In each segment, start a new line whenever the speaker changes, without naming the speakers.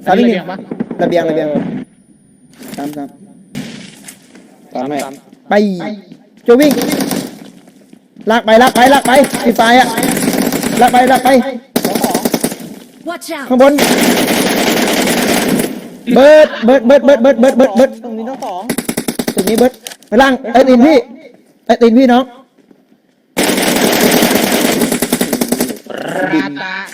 สามอีกหนึ่ง
ปะ
ระเบียงสาม
ตามแม่
ไปโจวิ่งลากไปไอ้ไฟอะลากไป
Watch out!
ข้างบนเบิร์ด
ตรงนี้ต้องสอง
ตรงนี้เบิร์ดไปล่างไอ้ตีนพี่น้อง
ราตา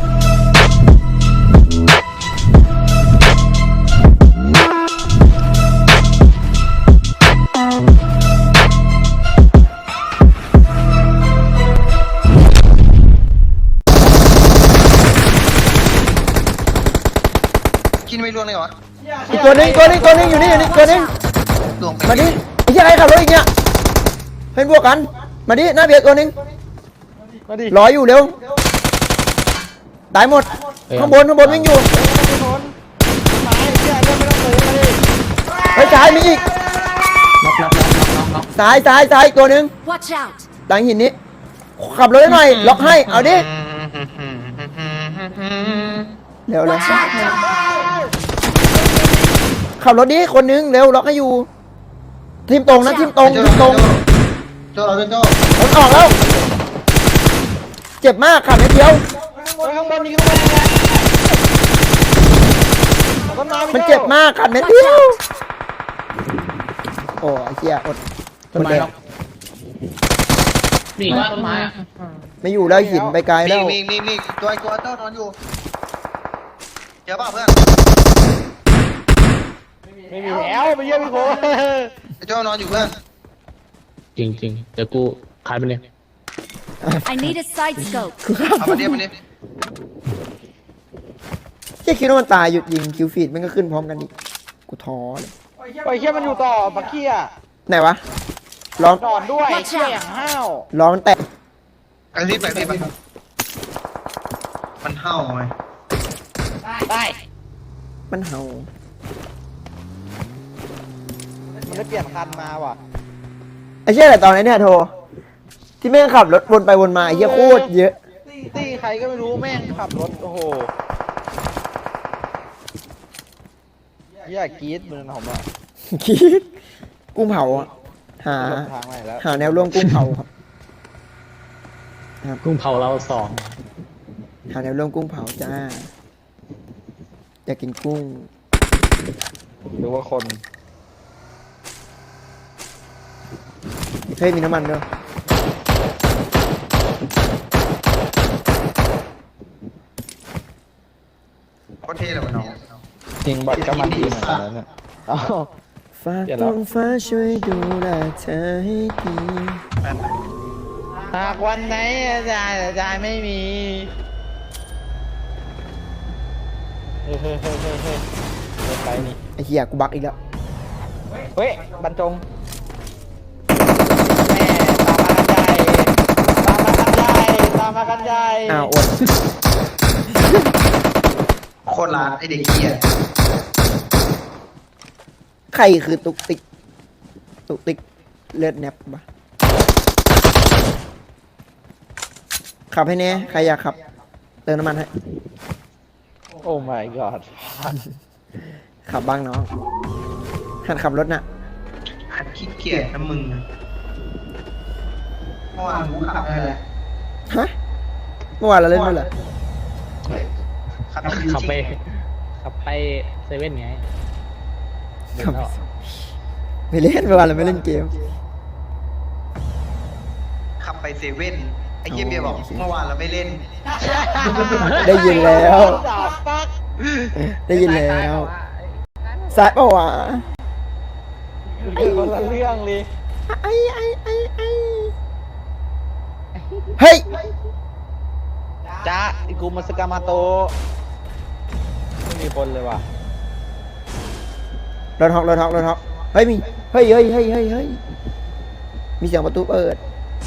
กินไม่ร่วงเลยเหรอ
อีกตัวหนึงอยู่นี่ตัวหนึง
ร่วงไป
มาดิไอ้เหี้ยใครขับรถอีกเนี่ยเพื่อนพวกกันมาดิหน้าเบียร์ตัวหนึง
มาดิ
รออยู่เร็วตายหมดข้างบนวิ่งอยู่
ไม้เชี่ยเรื่องไม่ต้องซื้อมาดิ
เฮ้ยซ้ายมีอีก
น็อก
ซ้ายอีกตัวหนึง
Watch out!
หลังหินนี้ขับรถให้หน่อยล็อกให้เอาดิเร็ว
Watch out!
ขับรถดิคนนึงเร็วล็อกให้อยู่ทีมตรงนะทีมตรง
โจ้เราเป็นโจ้
มันออกแล้วเจ็บมากขับนิดเดียว
ข้างบนนี่ข้างบนนี่ต้นไม้
มันเจ็บมากขับนิดเดียวโอ้ไอ้เหี้ยอด
ต้นไม้น็อกมีว่าต้นไม้อะ
ไม่อยู่แล้วหินไปไกลแล้ว
มีตัวโจ้นอนอยู่เจอเปล่าเพื่อน
ไม่มีแล้วไปเยี่ยมพี่โค
ไอ้โจ้นอนอยู่เพื่อน
จริงเดี๋ยวกูขายไปเลย
I need a side scope.
เอามาเดียวมาดิ
แค่คิดว่ามันตายหยุดยิงคิวฟีดมันก็ขึ้นพร้อมกันดิกูท้อเลย
ปล่อยเชี่ยมันอยู่ต่อบักเกี้ย
ไหนวะร้อง
นอนด้วยเชี่ยอย่างห้าว
ร้องแตก
ไอ้รีบไปมันเห่าไหม
ได้
มันเห่า
มันได้เปลี่ยนคันมาว่ะ
ไอ้เชี่ยแต่ตอนนี้เนี่ยโทรที่แม่งขับรถวนไปวนมาไอ้เหี้ยโคตรเยอะ
ตี้ใครก็ไม่รู้แม่งขับรถโอ้โหเหี้ยกรี๊ดมือผมอ่ะ
คิดกุ้งเผาอะหา
ลงทางไหนแล้ว
หาแนวร่วมกุ้งเผาครับ
กุ้งเผาเราสอง
หาแนวร่วมกุ้งเผาจ้าอยากกินกุ้ง
หรือว่าคน
เฮ้ยมีน้ำมันด้วย
โคตรเท่เลยมันน้อง
จริงบัตรก็มันดีเหมือนกันนะเนี่ยเอ้า
ฝาก
เดี๋ยว
ท้
นะ
องฟ้าช่วยดูแลเธอให้ดี
หากวันไหนอาจารย์ไม่มีเฮ้ยเดินไปนี่
ไอ้เหี้ยกูบักอีกแล้ว
เฮ้ยบรรจงแม่ตามมากันใหญ่ตามมากันใหญ่
อ้าวอด
โคตรร้านไอ้เด็กเหี้ย
ใครคือตุกติกเลือดแนบปะขับให้แน่ใครอยากขับเติมน้ำมันให้
โอ้ my god
ขับบ้างน้องหัดขับรถน่ะ
หัดขี้เกียจนะมึงเมื่อวานกูขับอะไร
ฮะเมื่อวานเราเล่นด้วยเหรอ
ขับไปเซเว่นไงเดินเข้า
ไม่เล่นเมื่อวานเราไม่เล่นเกม
ขับไปเซเว่นไอ้เหี้ยเบียร์บอกเมื่อวานเราไม่เล่น
ได้ยินแล้ว
จับปัก
ได้ยินแล้วสายเปล่าวะ
คนละเรื่องเลย
ไอ้เฮ้ย
จ้าอิกุมัสกามาโตะไม่มีคนเลยว่ะ
รถฮอกเฮ้ยมีเฮ้ยมีเสียงประตูเปิด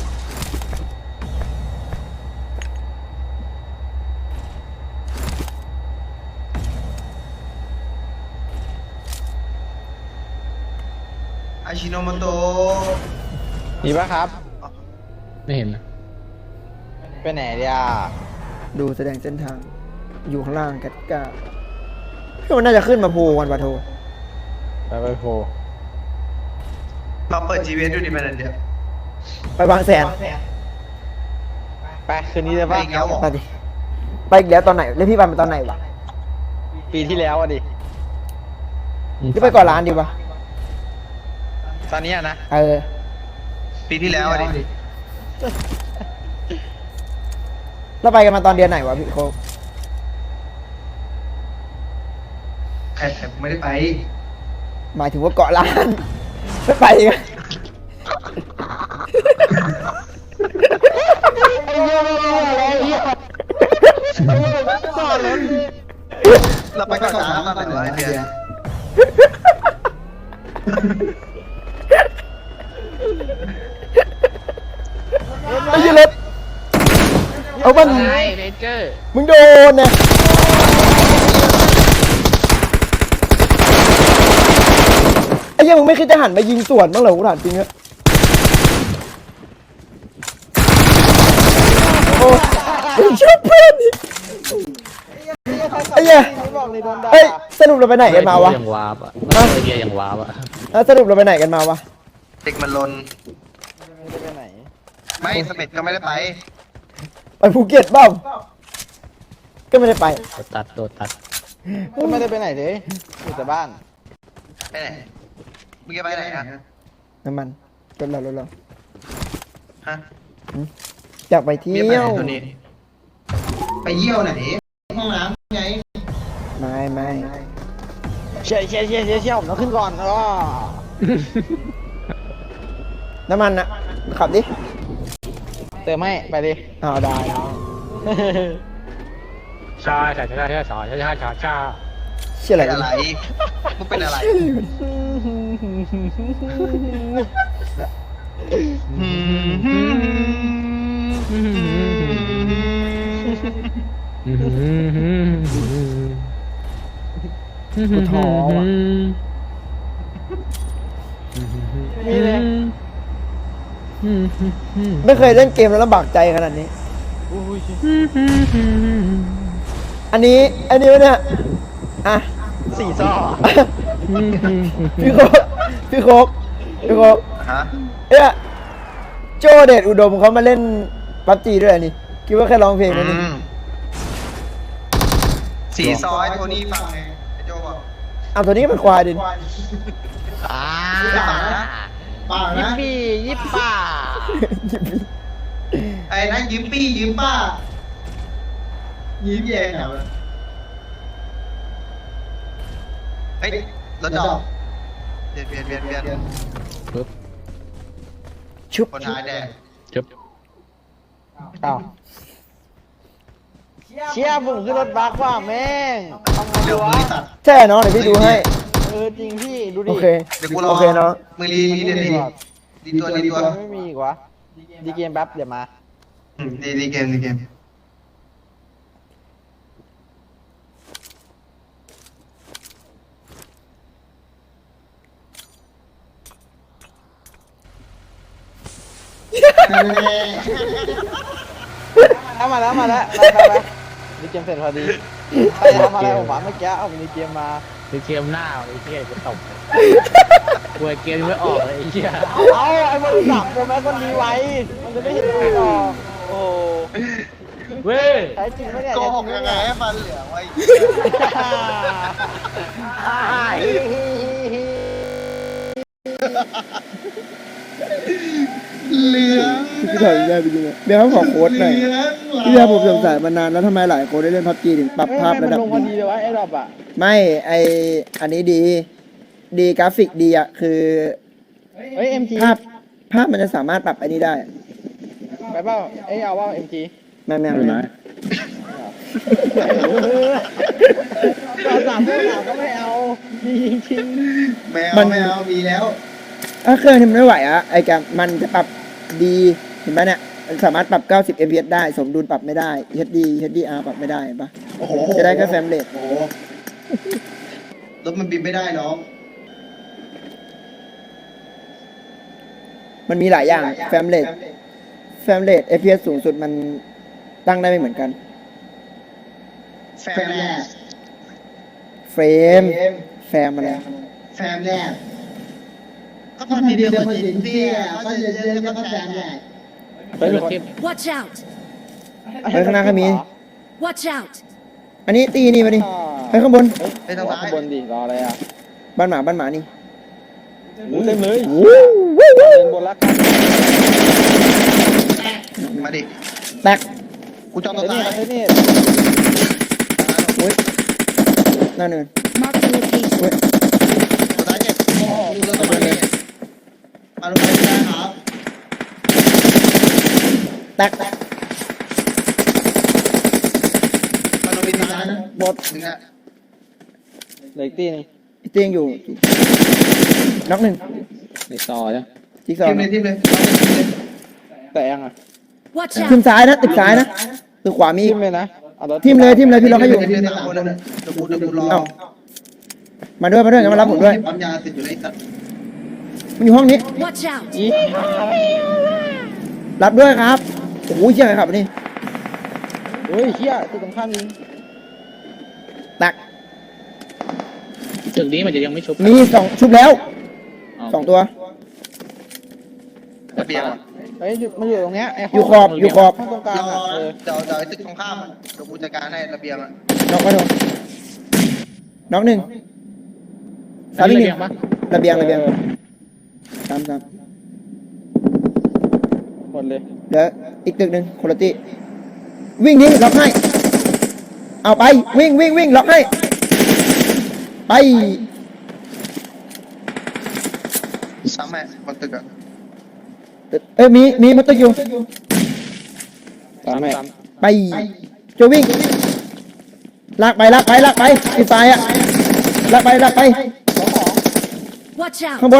อาชิโนโมโตะ
มีปะครับ
ไม่เห็นนะ
ไปไหนเดีย
ดูแสดงเส้นทาง อยู่ข้างล่างกัดกาก็มันน่าจะขึ้นมาภูวันปะโท
ไปโฟ
เราเปิด GPS ดูดิมันเดียว
ไปบางแสน
ไปคืนนี้เลย
ไป
ป่ะ
อีกแล้วเหรอ
ไปดิไปอีกแล้วตอนไหนแล้วพี่ไปตอนไหนวะ
ปีที่แล้วอ่ะดิ
พี่ไปก่อนร้านดีวะ
ตอนนี้อะนะ
ปีที่แล้วอะดิ
แล้วไปกันมาตอนเดือนไหนวะพี่โคก
ใครไม่ได้ไป
หมายถึงว่าเกาะร้าน ไม่ไปกัน
เราไปก่อนนะตอนไหนวะไอ้เดือน
ไอ้ยี่เล็บเอามัน
ไอ้เรเจอร์
มึงโดนเนี่ยไอ้เหี้ยังมึงไม่คิดจะหันมายิงสวนบ้างเหรอกูถามจริงอะโอ้ยชอบเพื่อนอีกไอ้เหี้ย
บอกเลยโดนด่า
เฮ้ยสรุปเราไปไหนกันมาวะ
ยังวาบอ่ะไอ้เหี้ยยังวาบอ่ะ
แล้วสรุปเราไปไหนกันมาวะ
เด็กมันลน
ไม่ได้ไปไหน
ไม่เสม็ดก็ไม่ได้ไป
ไปภูเก็ตเปล่าก็ไม่ได้ไป
โดดตัด
ก็ไม่ได้ไปไหนเลยอยู่แต่บ้าน
ไปไหนมึงจะไปไหนอะ
น้ำมันรถเรา
ฮะ
อยากไปเที่
มีไป
ย
ไหน
ว
ตัวนี้ ไปเยี่ยวไหน ห้องน้ำไง
ไม่
เชี่ยผมต้องขึ้นก่อนอ๋อ
น้ำมันนะขับดิ
เติมไม่ไปดิ
อ้าวได้เนาะ
ชาชาชาชาชาชาชาชาชา
เชี่ยอะไร
เป็น
วะ
อะไรมึงเป็นอะไร
กูท้อว่ะ
มีเลย
ไม่เคยเล่นเกมแล้วลำบากใจขนาดนี้ อันนี้วะเนี่ยอ่ะ
สี่ซ่อ
พี่โคกพี่โคก
ฮะ
เอ้ยโจเดชอุดมเขามาเล่นปับจีด้วยอันนี่คิดว่าแค่ร้องเพลงนะนี่
สีซอยโทนี่ฟังไงไอ้โจบอก
เอาตัวนี้ก็เป็นควายดิ
ป่า
ยิ
นะ
ปปี้ยิปป้า
ไอ้นั่นยิ้มปี้ยิ้มป้า ยิ้มแย่เหรอเฮ้ยรถจอดเปลี่ยน
ปึ๊บ
ชุบ
คนท้ายแดง
จุ๊บ
อ้าวเชี่ยผมขึ้นรถบัสว่ะแม่งทำไง
เดี๋
ดี
ยว
วะ
มือตัด
ใช่เนาะเดี๋ยวพี่ดูให้
จริงพี่ดูดิ
โอเค
เดี๋ยวกูรอ
โอเคเนาะ
มือรีเดี๋ยวดีตัว
ไม่มีอีกวะดีเกมแป๊บเดี๋ยวมา
ดีเกม
มาแล้วดีเกมเสร็จพอดีใครทำอะไรผมวะเมื่อกี้เอาดีเกมมา
ไอ้เกมหน้าไอ้เหี้ยจะตบกลัวเกมไม่ออกเลยไอ้เหี้ย
เอาไอ้บริษัทโปรแม็กมันมีไว้ มันจะไม่เห็นตัวหรอกโอ้
เว้ย
ใช้จริงไม่เนี่ย
โกหกยังไงให้ฟันเหลืองไว้ เหลือง
พี่ถอยได้ไปจริงๆเดี๋ยวเขาขอโค้ดหน่อยพี่ยาผมสงสัยมานานแล้วทำไมหลายคนได้เล่นพับจีถึงปรับภาพระดับ
ลงพอ
ดี
ดีเลยวะไอ้ดอกอ่ะ
ไม่อันนี้ดีกราฟิกดีอ่ะคือ
เฮ้ย MG
ภาพมันจะสามารถปรับอันนี้ได้
ไปเปล่าเอ้ยเอาว่า MG
แม่
ตอนสามพวกเราก็ไม่เอาจริง
ไม่เอามีแล้ว
ถ้าเครื่องที่มันไม่ไหวอ่ะไอ้แกมันจะปรับดีเห็นไหมเนี่ยมันสามารถปรับ 90 fps ได้สมดุลปรับไม่ได้ HDR ปรับไม่ได้เห็นปะ
โอ้โห
จะได้แค่เฟรมเรท
โอ้โหรถมันบินไม่ได้น้อง
มันมีหลายอย่างเฟรมเรท fps สูงสุดมันตั้งได้ไม่เหมือนกัน
แฟนแลส
แรมแฟมอะไร
แฟมแรกก็พอทีเดียวพอจินเตี้ยก็จะเยอะก็แฟมแรก
เฮ้ยรถทิพย์
Watch out!
เฮ้ยข้างหน้าก็มี
Watch out!
อันนี้ตีนี่มาดิเฮ้ยข้างบน
ไปทางซ้าย
ข้างบนดิรออะไรอ่ะ
บ้านหมานี่
หมูเต็มเลย
วู้วู้วู้
เป็นบนรักกัน
มาดิ
แตก
กูจอง
ไอ้
ตัว
นี่
ซ้าย
ไอ้นี่
โอ้ยหน้าเนิน
Mark the location.
โอ้ย
ตัวซ้ายเจ็บโอ้โหกูเลือกตัวนี้มาลงไปได้ครับ
แตก
มาลงไปซ้ายนะ
หมด
หนึ่งอ่ะ
เหล็กตีนึง
เตียงอยู่น็อกหนึ่ง
ในต่อจ้ะ
จิ๊กซอ
ที
ว์
มเลยทีมเลย
แต่ยังอ่ะ
Watch
ขึ้น
out!
ซ้ายนะตึกซ้ายนะตึกขวามี
ทิ
อีก
มเลยนะเอารถ
ทิมเลยพี่ล็อกให้อยู่
ทีมเลย3 คนเลยเดี๋ยวกูรอ
เอ้ามาด้วยงั้นมารับผมด้วย
ปั๊มยาติดอยู่ในตัด
มันอยู่ห้องนี้
Watch out!
อี
รับด้วยครับโอ้โหเชี่ยไงครับนี่
เฮ้ยเฮียตัวตรงข้ามยิง
แตก
ตึกนี้มันจะยังไม่ชุบ
มีสองชุบแล้วสองตัว
ระเบียง
เฮ้ยมันอยู่ตรงเนี้ยไอ้ห้
อยู่ขอบอยู่ขอบ
ห้องตรงกลาง
รอ
อ่ะ
นะเดี๋ยวไอ้ตึกตรงข้ามอะเดี๋ยวกูจัดการให้ระเบียงอ่ะ
น็อกมาโดนน็อกหนึ่ง
อัน
ซ้ำอี
นี้
กห
ระเบี
นึ่
ย
ง
งปะ
ระเบียงซ้ำ
หมดเลย
เดี๋ยวอีกตึกหนึ่งคนละตีวิ่งดิล็อกให้เอาไปวิ่งล็อกให้ไป
ซ้ำไหมบนตึกอ่ะ
เอ้ยมีมันตึกอยู่
ตามแม่
ไปจะวิ่งลากไปอีกฝ่ายอะลากไป
Watch
ข้าง
out!
บน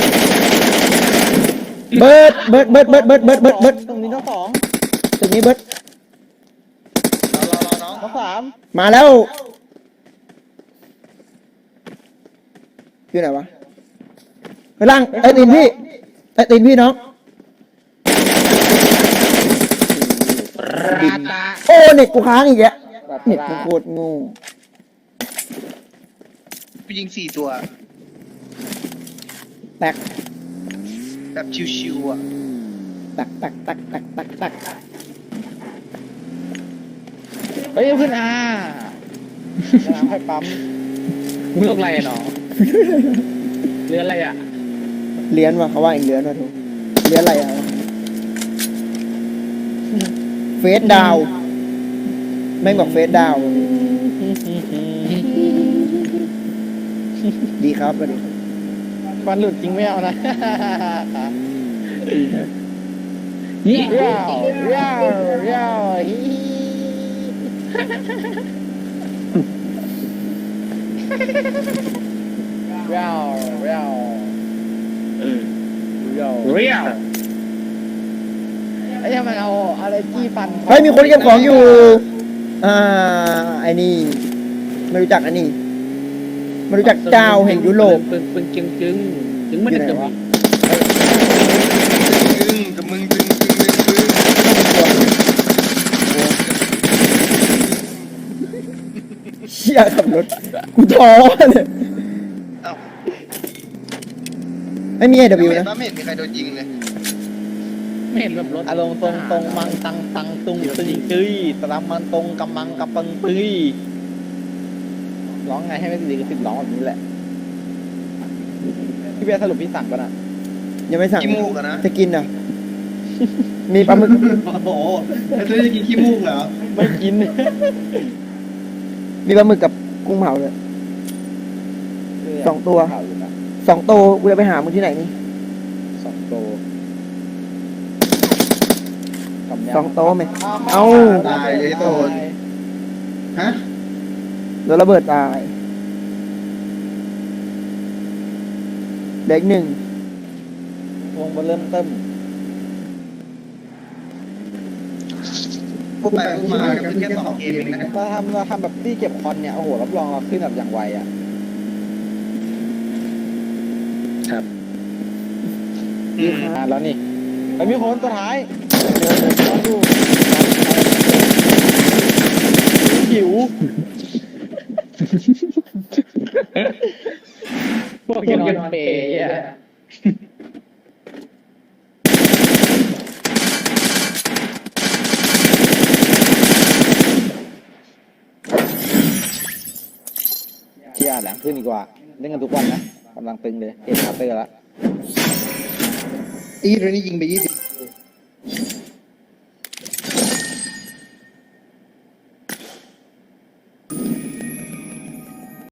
เบิร์ด
ตรงนี้ทั้งสอง
ตึกนี้เบิร์ด
รอน้อง
ทั้งสาม
มาแล้วอยู่ไหนวะไปล่างไอ้ตีนพี่น้อง
ราตา
โอ้เน็ตกูค้างอีกแล้วเน็ตกูโคตรโงู
กูยิง4 ตัว
แตก
แบบชิวๆอ่ะ
ตัก
เฮ้ยขึ้นอาน้ำให้ปั๊ม
มึงโรคอะไรอะหนอเรืออะไรอ่ะ
เลี้ยนว่ะเขาว่าอีกเลี้ยนว่ะทุกเลี้ยนอะไรอ่ะเฟสดาวแม่งบอกเฟสดาวดีครับสวัสดีครับ
ฟันหลุดจริงไม่เอานะ
นี่
ว้าวว้าวว้าวฮิว้าวว้าวว้าว
เรียว
ไอ้ยังมันเอาอะไรจี้ฟัน
เฮ้ยมีคนเก็บของอยู่ไอ้นี่ไม่รู้จักอันนี้ไม่รู้จักเจ้าแห่งยุโรป
ปึงจึงมันจะมี
ตึงกับมึงตึง
เชี่ยขับรถกูท้อเลย
เอ้า
ไม่มี AW นะ
ไม่เห็นมีใครโดนยิงเลย
ไม่เห็นแบบรถ
อารมณ์ตรงมังตังตุงตึงตื้ยตรำมันตรงกำมังกำปังตื้ยร้องไงให้ไม่ดีก็ติดร้องแบบนี้แหละพี่เบียร์สรุปพี่สั่งป่ะน่ะ
ยังไม่สั่ง
ขี้มูกอะนะ
จะกินอ่ะ มีปลาหมึก
โอ้โหไอ้ตัวจะกินขี้มูกเหรอ
ไม่กิน
มีปลาหมึกกับกุ้งเผาเลย 2 ตัว 2 โตกูจะไปหามึงที่ไหนนี่
2 โต
2 โตไหมเอ้า
ตายเลยโดนฮะ
โดนระเบิดตายเด็กหนึ่ง
วงมาเริ่มเติม
พวกไปพวกมาก็เป็นแค่2 เกมเองนะ
เราทำแบบที่เก็บคอนเนี่ยโอ้โหรับรองเราขึ้นแบบอย่างไวอ่ะ แล้วนี่ไอ้มีคนตัวท้ายลองดูหิว
พวกนอนเปย์อ่ะ
เชียร์หลังขึ้นดีกว่าเล่นกันทุกวันนะกำลังตึงเลยเอ็นคาเตอร์แล้ว
อีเรนนี่ยิงไป20